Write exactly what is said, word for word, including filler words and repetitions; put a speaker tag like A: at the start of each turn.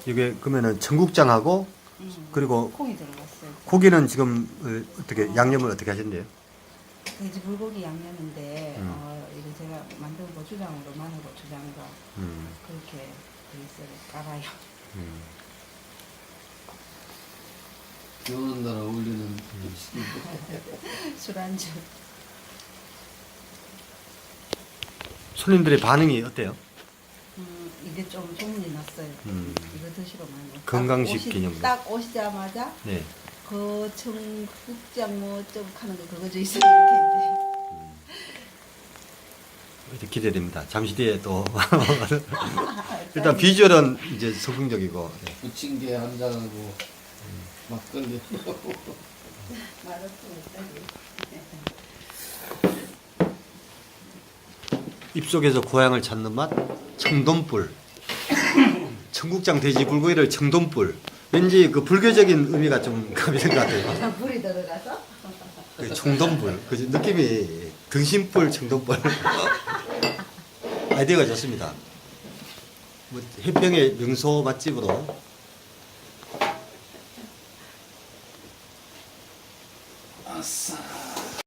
A: 이게 그러면은 청국장하고
B: 음,
A: 그리고
B: 콩이 들어갔어요.
A: 고기는 지금 어, 어떻게 양념을 어떻게 하셨는데요?
B: 돼지 불고기 양념인데
A: 음.
B: 어, 이거 제가 만든 고추장으로 마늘 고추장과
A: 음,
B: 그렇게 베이스를 깔아요.
A: 음.
C: 비 오는 날 어울리는 음식인데.
B: 술안주.
A: 손님들의 반응이 어때요?
B: 음, 이게 좀 소문이 났어요.
A: 음.
B: 이거 드시러 많이 와요.
A: 건강식
B: 딱 오시-
A: 기념으로.
B: 딱 오시자마자
A: 네.
B: 그 청국장 뭐좀 하는 거 그거 좀 있어요. 이렇게
A: 이제 기대됩니다. 잠시 뒤에 또 일단 비주얼은 이제 성공적이고 네.
C: 부침개 한 잔하고 막걸리 하고.
A: 입속에서 고향을 찾는 맛 청돈불. 청국장 돼지 불고기를 청돈불. 왠지 그 불교적인 의미가 좀 가미된 것 같아요.
B: 불이 들어가서
A: 그 청돈불. 그 느낌이 등심불 청돈불. 아이디어가 좋습니다. 뭐 해평의 명소 맛집으로
C: 아싸.